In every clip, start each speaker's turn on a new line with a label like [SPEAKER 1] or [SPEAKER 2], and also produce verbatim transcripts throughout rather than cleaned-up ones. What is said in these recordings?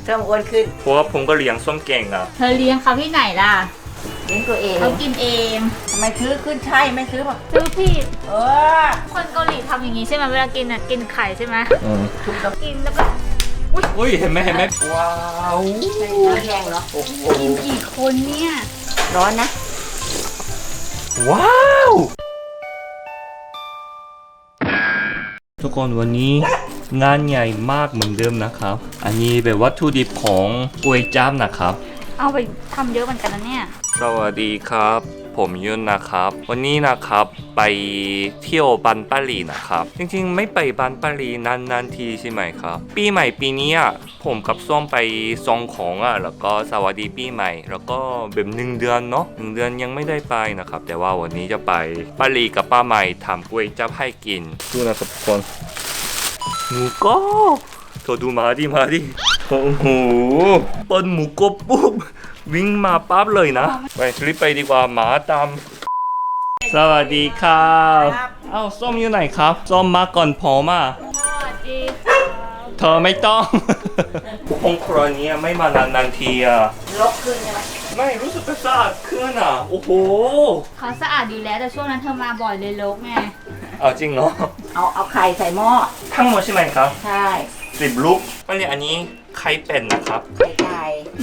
[SPEAKER 1] เพิ่มอ้วนขึ้น
[SPEAKER 2] เพราะว่าผมก็เลี้ยงส้มเก่งอ่ะ
[SPEAKER 3] เธอเลี้ยงเขาที่ไหนล่ะ
[SPEAKER 1] เลี้ยงตัวเอง
[SPEAKER 3] เขากินเอง
[SPEAKER 1] ทำไมซื้อขึ้นใช่ไม่ซื้อแบบ
[SPEAKER 3] ซื้อผิด
[SPEAKER 1] เออ
[SPEAKER 3] คนเกาหลีทำอย่างนี้ใช่ไหมเวลากินอ่ะกินไข่ใช่ไหม
[SPEAKER 1] ถูกต้อง
[SPEAKER 3] กินแล้วก็
[SPEAKER 2] อุ้ยเห็นไหมเห็นไหมว้าว
[SPEAKER 1] น้ำแห้งเหรอโอ้โห
[SPEAKER 3] กินกี่คนเนี่ย
[SPEAKER 1] ร้อนนะ
[SPEAKER 2] ว้าวทุกคนวันนี้งานใหญ่มากเหมือนเดิมนะครับอันนี้เป็นวัตถุดิบของก๋วยจั๊บนะครับ
[SPEAKER 3] เอาไปทำเยอะเหมือนกันนะเนี่ย
[SPEAKER 2] สวัสดีครับผมยุนนะครับวันนี้นะครับไปเที่ยวบันปารีนะครับจริงๆไม่ไปบันปารีนานๆทีใช่ไหมครับปีใหม่ปีนี้ผมกับส้มไปซองของอ่ะแล้วก็สวัสดีปีใหม่แล้วก็แบบหนึ่งเดือนเนาะหนึ่งเดือนยังไม่ได้ไปนะครับแต่ว่าวันนี้จะไปปารีกับป้าใหม่ทำก๋วยจั๊บให้กินดูนะครับทุกคนหมูกรอบเธอดูมาดิมาดิโอ้โหเปิ้ลหมูกรอบปุ๊บวิ่งมาปั๊บเลยนะไปรีบไปดีกว่าหมาตามสวัสดีครับเอ้าส้มอยู่ไหนครับส้มมาก่อนผมอ่ะ
[SPEAKER 3] สวัสดี
[SPEAKER 2] เธอไม่ต้องห้องครัวนี้ไม่มานานๆทีอ่ะ
[SPEAKER 1] ลกขึ้นใช่ไหม
[SPEAKER 2] ไม่รู้สึกสะอาดขึ้นอ่ะโอ้โห
[SPEAKER 3] เขาสะอาดอยู่แล้วแต่ช่วงนั้นเธอมาบ่อยเลยรกไง
[SPEAKER 2] เอาจริงเหรอ
[SPEAKER 1] เอาเอาไข่ใส่หม้อ
[SPEAKER 2] ทั้งหมดใช่ไหมครับ
[SPEAKER 1] ใช่
[SPEAKER 2] สิบลูกอันนี้อันนี้ไข่เป็ดนะครับ
[SPEAKER 1] ไข่ไก่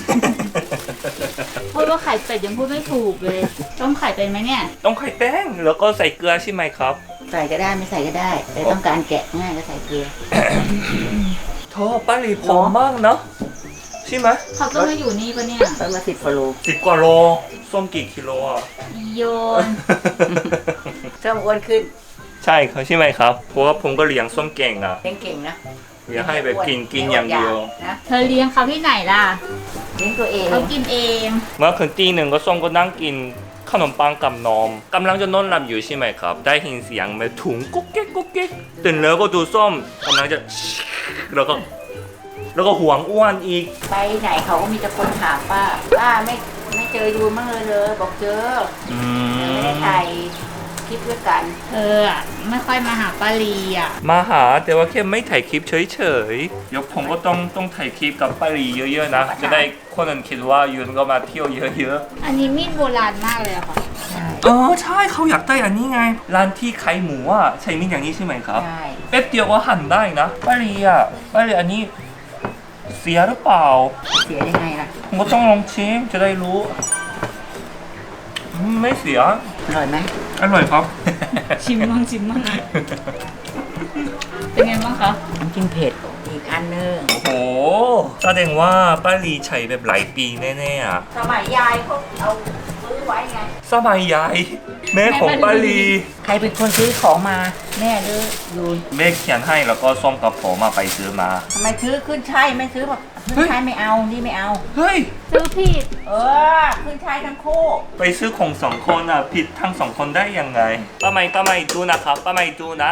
[SPEAKER 3] พูดว่าไข่เป็ดยังพูดไม่ถูกเลยต้มไข่เป็นไหมเนี่ย
[SPEAKER 2] ต้องไข่แป้งแล้วก็ใส่เกลือใช่ไหมครับ
[SPEAKER 1] ใส่ก็ได้ไม่ใส่ก็ได้แต่ต้องการแกะง่ายก็ใส่เกลือ
[SPEAKER 2] โธ่ป้าหลีผอมมากเนาะใช่ไหม
[SPEAKER 3] เขาต้องมาอยู่นี่ปะเนี่ย
[SPEAKER 1] ต้นละสิบกิโล
[SPEAKER 2] สิบกว่าโลส้มกี่กิโลอ่ะ
[SPEAKER 3] โยน
[SPEAKER 1] เพิ่มอ้วนขึ้น
[SPEAKER 2] ใช่เขาใช่ไหมครับเพราะว่าผมก็เลี้ยงส้มเก่งอ่ะ
[SPEAKER 1] เลี้ยงเก่งนะ
[SPEAKER 2] เลี้ยงให้แบบกินกินอย่างเดียว
[SPEAKER 3] เธอเลี้ยงเขาที่ไหนล่ะ
[SPEAKER 1] เลี้ยงตัวเอง
[SPEAKER 3] เขากินเอง
[SPEAKER 2] เมื่อคืนตีหนึ่งก็ส้มก็นั่งกินขนมปังกับนมกำลังจะนอนหลับอยู่ใช่ไหมครับได้ยินเสียงแบบถุงกุ๊กเก๊กกุ๊กเก๊กตื่นแล้วก็ดูส้มกำลังจะแล้วก็แล้วก็ห่วงอ้วนอีก
[SPEAKER 1] ไปไหนเขาก็มีแต่คนถามป้าป้าไม่ไม่เจอดูมั่งเลยเลยบอกเจอไม่ได้ถ่ายคลิปด้วยกัน
[SPEAKER 3] เออไม่ค่อยมาหาป้าลีอ่ะ
[SPEAKER 2] มาหาแต่ว่าแค่ไม่ถ่ายคลิปเฉยๆเดี๋ยวผมก็ต้องต้องถ่ายคลิปกับป้าลีเยอะๆนะจะได้คนอื่นคิดว่ายุนก็มาเที่ยวเยอะ
[SPEAKER 3] ๆอันนี้มีดโบราณมากเลยอะค่ะ
[SPEAKER 2] เออใช่เขาอยากได้อันนี้ไงร้านที่ขายหมูอ่ะใช้มีดอย่างนี้ใช่ไหมครับ
[SPEAKER 1] ใช่
[SPEAKER 2] แป๊บเดียวก็หั่นได้นะป้าลีอ่ะป้าลีอันนี้เสียหรือเปล่า
[SPEAKER 1] เสียยังไงล่ะ
[SPEAKER 2] ผมก็ต้องลองชิมจะได้รู้ไม่เสีย
[SPEAKER 1] อร่อยไหม
[SPEAKER 2] อร่อยครับ
[SPEAKER 3] ชิมมั่งชิมมั่งเป็นไงบ้างคะ
[SPEAKER 1] น้ำจิ้มเผ็ดอีกอันนึง
[SPEAKER 2] โอ้โหแสดงว่าป้าลีใช้แบบหลายปีแน่ๆอ่ะ
[SPEAKER 1] สมัยยายเขาเอาซื้อไว้ไง
[SPEAKER 2] สมัยยายแม่ของป้าลี
[SPEAKER 1] ใครเป็นคนซื้อของมาแม่หรือยูน
[SPEAKER 2] แม่เขียนให้แล้วก็ส้มกับผมมาไปซื้อมา
[SPEAKER 1] ทำไมซื้อขึ้นใช่ไม่ซื้อแบบขึ้นใช่ไม่เอานี่ไม่เอา
[SPEAKER 2] เฮ้ย
[SPEAKER 3] ซื้อผิด
[SPEAKER 1] เออขึ้นใช่ทั้งคู่
[SPEAKER 2] ไปซื้อของสองคนอ่ะผิดทั้งสองคนได้ยังไงป้าไม่ป้าไม่ดูนะครับป้าไม่ดูนะ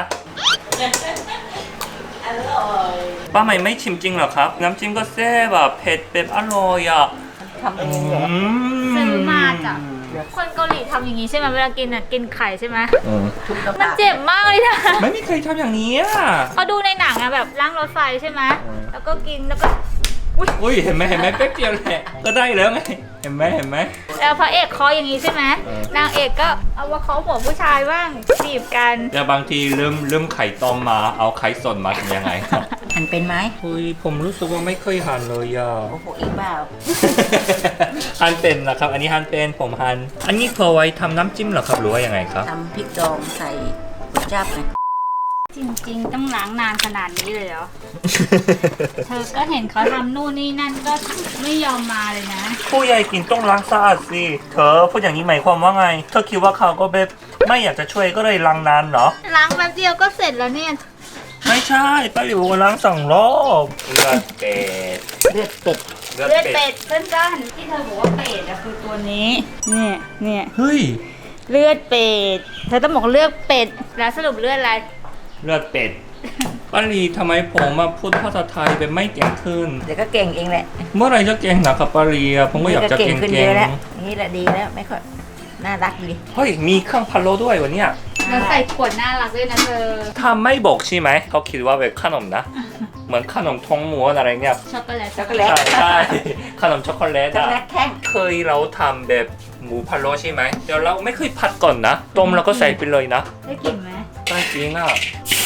[SPEAKER 1] อร่อย
[SPEAKER 2] ป้าไม่ไม่ชิมจริงเหรอครับน้ำจิ้มก็แซ่บแบบเผ็ดแบบอร่อยอ่ะ
[SPEAKER 1] ทำเองเหรอ
[SPEAKER 3] ซื้อมาจากคนเกาหลีทำอย่างนี้ใช่ไหมเวลากินอ่ะกินไข่ใช่ไหมมันเจ็บมากเลยนะ
[SPEAKER 2] ไม่มีใครทำอย่างนี้อ่ะ
[SPEAKER 3] เขาดูในหนังอะแบบล้างรถไฟใช่ไหมแล้วก็กินแล้วก็
[SPEAKER 2] อุ้ยเห็นไหมเห็นไหมแป๊บเดียวแหละก็ได้แล้วไงเห็นไหมเห็นไหม
[SPEAKER 3] แล้วพระเอกคออย่างนี้ใช่ไหมนางเอกก็เอาว่าเขาหัวผู้ชายบ้างจีบกัน
[SPEAKER 2] แต่บางทีเริ่มเริ่มไข่ต้มมาเอาไข่สดมาทำยังไงครับ
[SPEAKER 1] หั่นเป็นไหม
[SPEAKER 2] อุ้ยผมรู้สึกว่าไม่เคยหั่นเลยอ่ะ
[SPEAKER 1] โอ้โหอีกเปล่า
[SPEAKER 2] หั่นเป็นนะครับอันนี้หั่นเป็นผมหั่นอันนี้พอไว้ทำน้ำจิ้มเหรอครับหรือว่ายังไงครับ
[SPEAKER 1] ทำพริกดองใส่ก๋วยจั๊บไง
[SPEAKER 3] จริงๆต้องล้างนานขนาดนี้เลยเหรอ เธอก็เห็นเขาทำนู่นนี่นั่นก็ไม่ยอมมาเลยนะ
[SPEAKER 2] ผู้ใหญ่กินต้องล้างสะอาดสิเธอพูดอย่างนี้หมายความว่าไงเธอคิดว่าเขาก็แบบไม่อยากจะช่วยก็เลยล้างนานเหรอ
[SPEAKER 3] ล้างแป๊บเดียวก็เสร็จแล้วเนี่ย
[SPEAKER 2] ไม่ใช่ป้าหลิวล้างสองรอบเลือดเป็ด
[SPEAKER 1] เลือดเป็ด
[SPEAKER 3] เลือดเป็ดเพื่อนๆที่เธอบอกว่าเป็ดอะคือตัวนี้เนี่ยเนี่ย
[SPEAKER 2] เฮ้ย
[SPEAKER 3] เลือดเป็ดเธอต้องบอกเลือดเป็ดแล้วสรุปเลือดอะไร
[SPEAKER 2] เลือดเป็ดป้าลีทำไมผมมาพูดภาษาไทยเป็นไม่เก่งขึ้น
[SPEAKER 1] เดี๋ยวก็เก่งเองแหละ
[SPEAKER 2] เมื่อไรจะเก่งนะครับป้าลีผมก็อยากจะเก่งขึ้นเยอะ
[SPEAKER 1] แล้วนี่แหละดีแล้วไม่ค่อยน่ารักดี
[SPEAKER 2] เฮ้ยมีเครื่องพะโล้ด้วยวันเนี้ย
[SPEAKER 3] แล้วใส่ขวดน่ารักด้วยนะเธอ
[SPEAKER 2] ถ้าไม่บอกใช่ไหมเขาคิดว่าเป็นขนมนะเหมือนขนมทองม้วนอะไรเงี้ย
[SPEAKER 3] ช็อกโกแลต
[SPEAKER 1] ช็อกโกแล
[SPEAKER 2] ใช่
[SPEAKER 1] ต
[SPEAKER 2] ใช่ขนมช็อกโกแลต
[SPEAKER 1] ช็อก
[SPEAKER 2] อะ
[SPEAKER 1] โกแลตแท่ง
[SPEAKER 2] เคยเราทำแบบหมูพะโล้ใช่ไหมเดี๋ยวเราไม่เคยผัดก่อนนะต้มแล้วก็ใส่ไปเลยนะ
[SPEAKER 3] ได้กลิ่นไหม
[SPEAKER 2] ได้จริงอ่ะ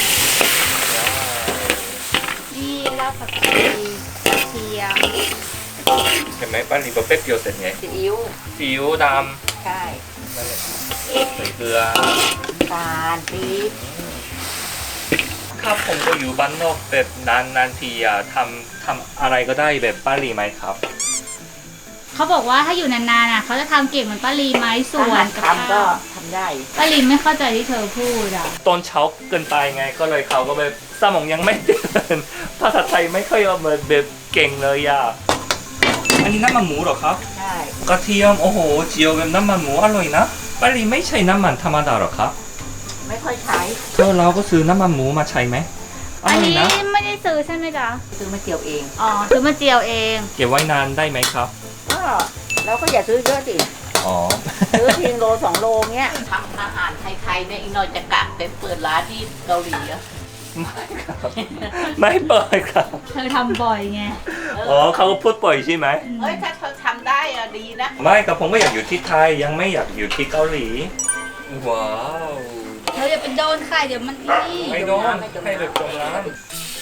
[SPEAKER 3] นี่รากผักชีกระเทียม
[SPEAKER 2] เห็นไหมป้าลีบอกแป๊บเดียวเสร็จไง
[SPEAKER 1] ซีอิ๊ว
[SPEAKER 2] ซีอิ๊วด
[SPEAKER 1] ใช่
[SPEAKER 2] ำนั่นแหละใส่เกลือ
[SPEAKER 1] ตาลปี๊บ
[SPEAKER 2] ครับผมก็อยู่บ้านนอกแบบนานนานๆทีอะทำทำอะไรก็ได้แบบป้าลีไหมครับ
[SPEAKER 3] เขาบอกว่าถ้าอยู่นานๆอ่ะเขาจะทำเก่งเหมือนป้าลีไหมส่วนกับ
[SPEAKER 1] ทำก็
[SPEAKER 3] ข้าว
[SPEAKER 1] ทำได้
[SPEAKER 3] ป้าลีไม่เข้าใจที่เธอพูดอ่ะ
[SPEAKER 2] ตอนเช้าเกินไปไงก็เลยเขาก็แบบสมองยังไม่เดินภาษาไทยไม่ค่อยเอามาแบบเก่งเลยอะอันนี้น้ำมันหมูเหรอครับ
[SPEAKER 1] ใช่
[SPEAKER 2] กระเทียมโอ้โหเจียวแบบน้ำมันหมูอร่อยนะป้าลีไม่ใช่น้ำมันธรรมดาหรอครับ
[SPEAKER 1] ไม่ค่อยใช้
[SPEAKER 2] เธอเราก็ซื้อน้ำมันหมูมาใช้ไหมอ
[SPEAKER 3] อัน
[SPEAKER 2] ร่อย
[SPEAKER 3] นี้
[SPEAKER 2] นะ
[SPEAKER 3] ไม่ได้ซื้อใช่ไหมจ๊ะ
[SPEAKER 1] ซื้อมาเจียวเอง
[SPEAKER 3] อ๋อซื้อมาเจียวเอง
[SPEAKER 2] เก็บไว้นานได้ไหมครับ
[SPEAKER 1] ก็เราก็อย่าซื้อเยอะสิ
[SPEAKER 2] อ๋อ
[SPEAKER 1] ซื้อเพียงโลสองโลเงี้ยทำอาหารไทยๆเนี่ยอีกหน่อยจะกะไปเปิดร้านที่เกาหลีอะ
[SPEAKER 2] ไม่ครับไม่เปิดครับ
[SPEAKER 3] เธอทำบ่อยไง
[SPEAKER 2] อ๋อเขาก็พูดบ่อยใช่ไหม
[SPEAKER 1] เฮ้ยถ้าเธอทำได้อะดีนะ
[SPEAKER 2] ไม่กับผมก็อยากอยู่ที่ไทยยังไม่อยากอยู่ที่เกาหลีว้าว
[SPEAKER 3] เธออย่าไปโดนใครเดี๋ยวมันนี่
[SPEAKER 2] ไม่โดนให้แบบตรงนั้น
[SPEAKER 1] วาง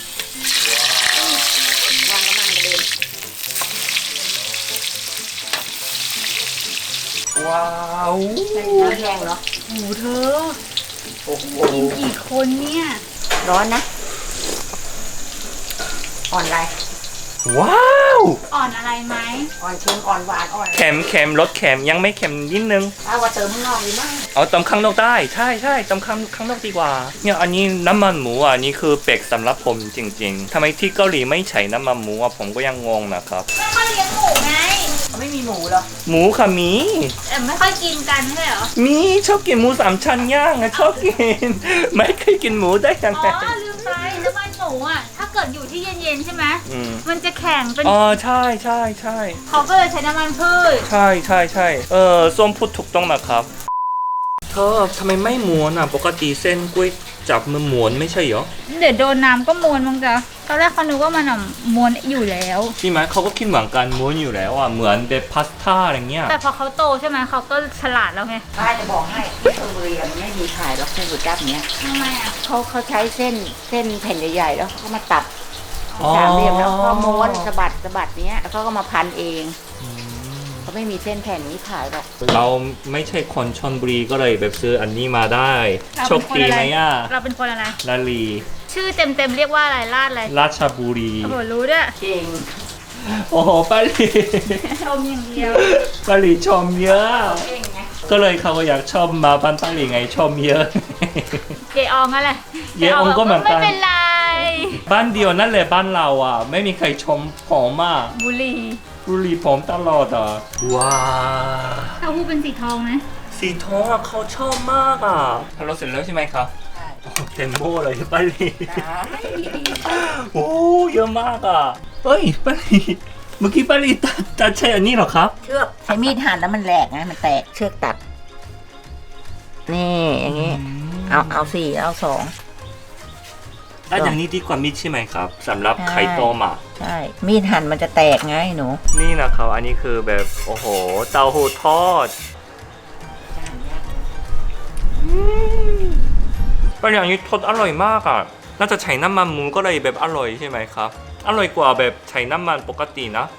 [SPEAKER 1] กระมังกระเด็น
[SPEAKER 2] ว้าว
[SPEAKER 1] ใส่น้ำแห้งเนาะ
[SPEAKER 3] โอ้โหเธอ
[SPEAKER 2] โอ้โห
[SPEAKER 3] กินกี่คนเนี่ย
[SPEAKER 1] ร้อนนะ อ่อนอะไร
[SPEAKER 2] ว้าว
[SPEAKER 3] อ่อนอะไรไหม
[SPEAKER 1] อ่อนเค็มอ่อนหวานอ่อน
[SPEAKER 2] เค็มเค็มรสเค็มยังไม่เค็มนิดนึง
[SPEAKER 1] เอาว่าเติมข้างนอกดีมาก
[SPEAKER 2] เอาตำข้างนอกได้ใช่ใช่ตำข้างข้างนอกดีกว่าเนี่ยอันนี้น้ำมันหมูอ่ะอันนี้คือเป็กสำหรับผมจริงๆทำไมที่เกาหลีไม่ใช้น้ำมันหมูอ่ะผมก็ยังงงนะครับ
[SPEAKER 3] ไม่ค่อยเลี้ยงหมูไง
[SPEAKER 1] เขาไม่มีหมูเหรอ
[SPEAKER 2] หมูค่ะมี
[SPEAKER 3] แต่ไม่ค่อยกินกันไม่ใช่เหรอ
[SPEAKER 2] มีชอบกินหมูสามชั้นย่างอะชอบกิน ไม่เคยกินหมูได้ยัง
[SPEAKER 3] อ๋
[SPEAKER 2] ไง
[SPEAKER 3] อลืมไปน้ำมันหมูอ่ะถ้าเกิดอยู่ที่เย็นๆใช่ไหม
[SPEAKER 2] อืม
[SPEAKER 3] มันจะแข็งเป็น
[SPEAKER 2] อ๋อใช่ใช่ใช่
[SPEAKER 3] เขาก็เลยใช้น้ำมันพืช
[SPEAKER 2] ใช่ใช่ใช่เออส้มพูดถูกต้องนะครับเธอทำไมไม่ม้วนอ่ะปกติเส้นก๋วยจับมันม้วนไม่ใช่เหรอ
[SPEAKER 3] เดี๋ยวโดนน้ำก็มวนมั้งจ๊ะตอนแรกเขานึกว่ามันอ่ะมวนอยู่แล้ว
[SPEAKER 2] ใช่ไหมเขาก็คิดเหมือนกันม้วนอยู่แล้วอ่ะเหมือนแบบพาสต้าอะไรเงี้ย
[SPEAKER 3] แต่พอเขาโตใช่ไหมเขาก็ฉลาดแล้วไง
[SPEAKER 1] ป้าจะบอกให้ที่ชลบุรีอะมันไม่มีขายหรอกเส้นก๋วยจั๊บเนี้ย
[SPEAKER 3] ทำไมอ่ะ
[SPEAKER 1] เขาเขาใช้เส้นเส้นแผ่นใหญ่ๆแล้วเขาก็มาตัดสามเหลี่ยมแล้วก็ม้วนสะบัดสะบัดเนี้ยแล้วเขาก็มาพันเองเขาไม่มีเส้นแผ่นนี้ขายหรอก
[SPEAKER 2] เราไม่ใช่คนชลบุรีก็เลยแบบซื้ออันนี้มาได้โชคดีไหมอ่ะ
[SPEAKER 3] เราเป็นคนอะไร
[SPEAKER 2] ลาลี
[SPEAKER 3] ชื่อเต็มๆเรียกว่าอะไรลาดอะไร
[SPEAKER 2] ราชบุรี
[SPEAKER 3] โอ้โหรู้ด้วย
[SPEAKER 1] เก่ง
[SPEAKER 2] โอ้โหป้าลี
[SPEAKER 3] ชมอย่างเดียว
[SPEAKER 2] ป้าลีชมเยอะ
[SPEAKER 1] เก่งไง
[SPEAKER 2] ก็เลยเขาก็อยากชอบมาบ้านป้าลีไงชมเยอะ
[SPEAKER 3] เจอองอะไร
[SPEAKER 2] เจอองก็เหมือนกัน
[SPEAKER 3] ไม่เป็นไร
[SPEAKER 2] บ้านเดียวนั่นแหละบ้านเราอ่ะ ไม่มีใครชมผมอ่ะ
[SPEAKER 3] บุหรี
[SPEAKER 2] บุรีผมตลอดอ่ะว้า
[SPEAKER 3] เต้าหู้เป็นสีทองไหม
[SPEAKER 2] สีทองอ่ะเขาชอบมากอ่ะทำเราเสร็จแล้วใช่ไหมครับ
[SPEAKER 1] ใช่
[SPEAKER 2] โอ้เต็มโบ้เลยป้าลี
[SPEAKER 1] ได้
[SPEAKER 2] โอ้เยอะมากอ่ะเฮ้ยป้าลีเมื่อกี้ป้าลีตัดตัดใช่อันนี้เหรอครับ
[SPEAKER 1] เชือกใช้มีดหั่นแล้วมันแหลกไงมันแตกเชือกตัด นี่อย่างงี้ เอาเอาสี่เอาสอง
[SPEAKER 2] อันอย่างนี้ดีกว่ามิดใช่ไหมครับสำหรับไข่ต้มอ่ะ
[SPEAKER 1] ใช่ มีดหั่นมันจะแตกไงหนู
[SPEAKER 2] นี่นะครับอันนี้คือแบบโอ้โหเต้าหู้ทอดเป็นอย่างนี้ทอดอร่อยมากอ่ะน่าจะใช้น้ำมันหมูก็เลยแบบอร่อยใช่ไหมครับอร่อยกว่าแบบใช้น้ำมันปกตินะ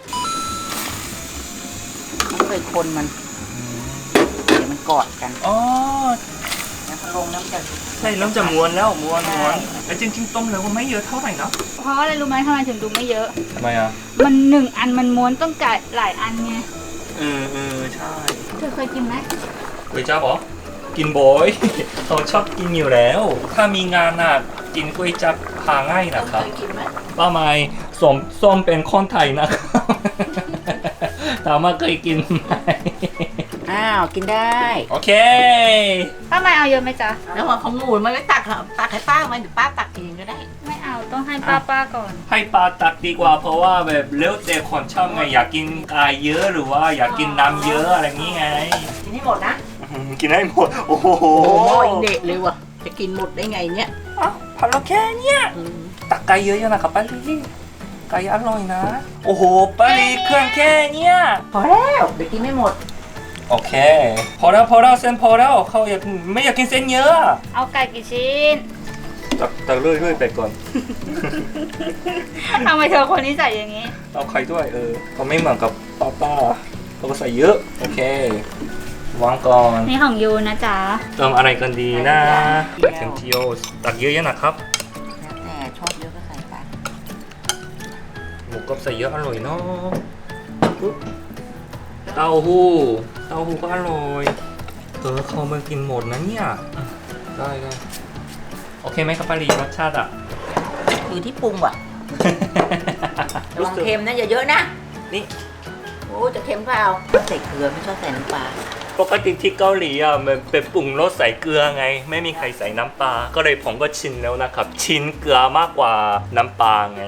[SPEAKER 1] มันเคยคนมัน เดี๋ยวมันกอดกัน
[SPEAKER 2] อ๋อ
[SPEAKER 1] แล้วพอลงน้ำจะ
[SPEAKER 2] ใช่เริ่มจะม้วนแล้วม้วน
[SPEAKER 1] ใช่
[SPEAKER 2] ม้วนแต่จริงๆต้มแล้วก็ไม่เยอะเท่าไหร่นะ
[SPEAKER 3] เพราะอะไรรู้ไหมทำไมถึงดูไม่เยอะ
[SPEAKER 2] ทำไมอ่ะ
[SPEAKER 3] มันหนึ่งอันมันม้วนต้องจ่ายหลายอันไง
[SPEAKER 2] เออเออใช่
[SPEAKER 3] เธอเคยกินไหม
[SPEAKER 2] ก๋วยจั๊บเหรอกินบ่อย เขาชอบกินอยู่แล้ว ถ้ามีงานอ่ะกินก๋วยจั๊บหาง่ายนะครับ
[SPEAKER 1] เคยกินไหม
[SPEAKER 2] ป้าไม้ส้มส้มเป็นคนไทยนะครับ ถามว่าเคยกินไหม
[SPEAKER 1] อ้าว กินได้
[SPEAKER 2] โอเค
[SPEAKER 3] ป้าไม่เอาเยอะไหมจ๊ะ
[SPEAKER 1] แล้วว่าของหมูมันไม่ตักค่ะตักให้ป้าไหมเดี๋ยวป้าตักเองก็ได้
[SPEAKER 3] ไม่เอาต้องให้ป้าป้าก่อน
[SPEAKER 2] ให้ปลาตักดีกว่าเพราะว่าแบบเล้วแต่คนชอบไงอยากกินกายเยอะหรือว่าอยากกินน้ำเยอะอะไรงี้ไง
[SPEAKER 1] กินให้หมดนะ
[SPEAKER 2] กินให้หมด โอ้โห
[SPEAKER 1] โอ้ยเด็กเลยว่ะ จะกินหมดได้ไงเนี่ย
[SPEAKER 2] อ้าวพอแล้วแค่เนี้ย
[SPEAKER 1] อืม
[SPEAKER 2] ตักไก่เยอะๆนะครับป้าลีไก่อร่อยนะ โอ้โหป้าลีเครื่องแค่เนี้ย
[SPEAKER 1] พอแล้วเดี๋ยวกินไม่หมด
[SPEAKER 2] โอเค พอแล้วพอแล้วเส้นพอแล้วเขาอยากไม่อยากกินเส้นเยอะ
[SPEAKER 3] เอาไก่กี่ชิ้น
[SPEAKER 2] ตักตักเรื่อยๆไปก่อน
[SPEAKER 3] ทำไมเธอคนนี้ใส่อย่างนี้
[SPEAKER 2] เอาไข่ด้วยเออก็ไม่เหมือนกับป้าป้าเราก็ใส่เยอะ โอเค วางก่อน
[SPEAKER 3] นี่ของยูนะจ๊ะ
[SPEAKER 2] เติมอะไรกันดีนะ
[SPEAKER 1] เดี๋ยว
[SPEAKER 2] เทมเทียวตักเยอะๆนะครับ
[SPEAKER 1] แล้วแต่ชอบเยอะก็ใส่ไป
[SPEAKER 2] หมูกรอบใส่เยอะอร่อยเนาะปุ๊บเต้าหู้เต้าหู้ก็อร่อยเออเขามากินหมดนะเนี่ยอ่ะได้ได้โอเคไหมครับป้าลีรสชาติอ่ะ
[SPEAKER 1] อยู่ที่ปรุงว่ะระวังเค็มนะอย่าเยอะนะ
[SPEAKER 2] นี่
[SPEAKER 1] โอ้จะเค็มก็เอาใส่เกลือไม่ชอบใส่น้ำปลา
[SPEAKER 2] ปกติที่เกาหลีอ่ะมันเป็นปรุงรสใส่เกลือไง ไม่มีใครใส่น้ำปลาก็เลยผมก็ชินแล้วนะครับ ชินเกลือมากกว่าน้ำปลาไง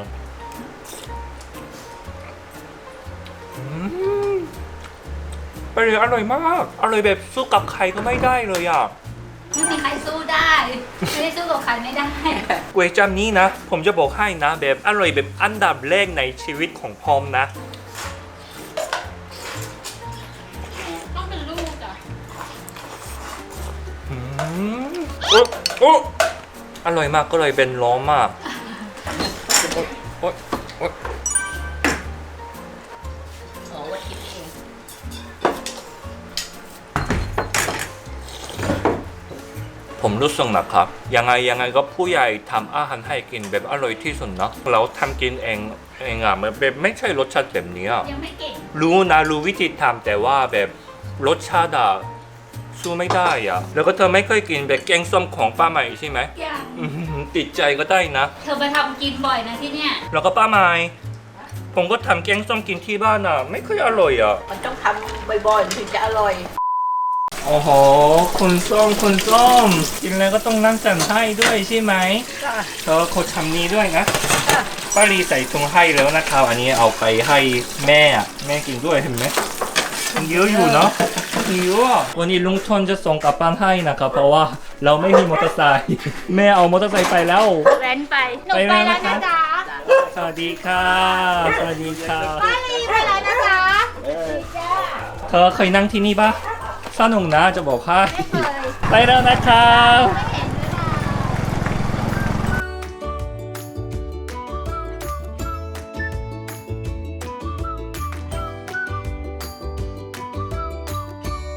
[SPEAKER 2] อืมป้าลีอร่อยมากอร่อยแบบสู้กับใครก็ไม่ได้เลยอ่ะ
[SPEAKER 3] ไม่มีใครสู้ได้ ไม่ได้สู้กับใครไม่ได้
[SPEAKER 2] ก๋วยจั๊บนี้นะ ผมจะบอกให้นะ แบบอร่อยแบบอันดับแรกในชีวิตของพอมนะ
[SPEAKER 3] ต้องเป็นลูกอ่ะ
[SPEAKER 2] อืมโอ๊ะโอ๊ะอร่อยมากก็เลยเป็นล้อมากโอ๊ยโอ๊ย
[SPEAKER 1] โอ้ว่าคิดเอง
[SPEAKER 2] ผมรู้สึกนะครับ ยังไงยังไงก็ผู้ใหญ่ทำอาหารให้กินแบบอร่อยที่สุดนะเราทำกินเองเองอ่ะมันแบบไม่ใช่รสชาติแบบนี้อะ
[SPEAKER 3] ยังไม่เก่ง
[SPEAKER 2] รู้นะรู้วิธีทำแต่ว่าแบบรสชาติอะสู้ไม่ได้อะแล้วก็เธอไม่เคยกินแบบแกงส้มของป้าใหม่ใช่ไหม
[SPEAKER 3] ยัง
[SPEAKER 2] อื้อหือติดใจก็ได้นะ
[SPEAKER 3] เธอไปทำกินบ่อยนะที่เนี่ย
[SPEAKER 2] แล้วก็ป้าใหม่ผมก็ทำแกงส้มกินที่บ้านอะไม่ค่อยอร่อยอะ
[SPEAKER 1] มันต้องทำบ่อยๆมันถึงจะอร่อย
[SPEAKER 2] โอ้โหคุณส้มคุณส้มกินแล้วก็ต้องนั่งจันให้ด้วยใช่ไหมเธอเขาทำนี้ด้วยนะป้าลีใส่ถุงให้แล้วนะครับอันนี้เอาไปให้แม่อะแม่กินด้วยเห็นไหมมันเยอะอยู่เนาะเยอะวันนี้ลุงทนจะส่งกลับบ้านให้นะครับเพราะว่าเราไม่มีมอเตอร์ไซค์แม่เอามอเตอร์ไซค์ไปแล้ว
[SPEAKER 3] แว้นไป หนู
[SPEAKER 2] ไป
[SPEAKER 3] ไป
[SPEAKER 2] แล้ว
[SPEAKER 3] แล้ว
[SPEAKER 2] นะ
[SPEAKER 3] นะคะ จ๊ะ
[SPEAKER 2] สวัสดีค่ะสวัสดีค่ะ
[SPEAKER 3] ป้าลีไปแล้วนะจ๊ะ
[SPEAKER 2] เธอเคยนั่งที่นี่ปะสนุกนะจะบอกให้
[SPEAKER 3] ไม่เคย
[SPEAKER 2] ไปแล้วนะครับ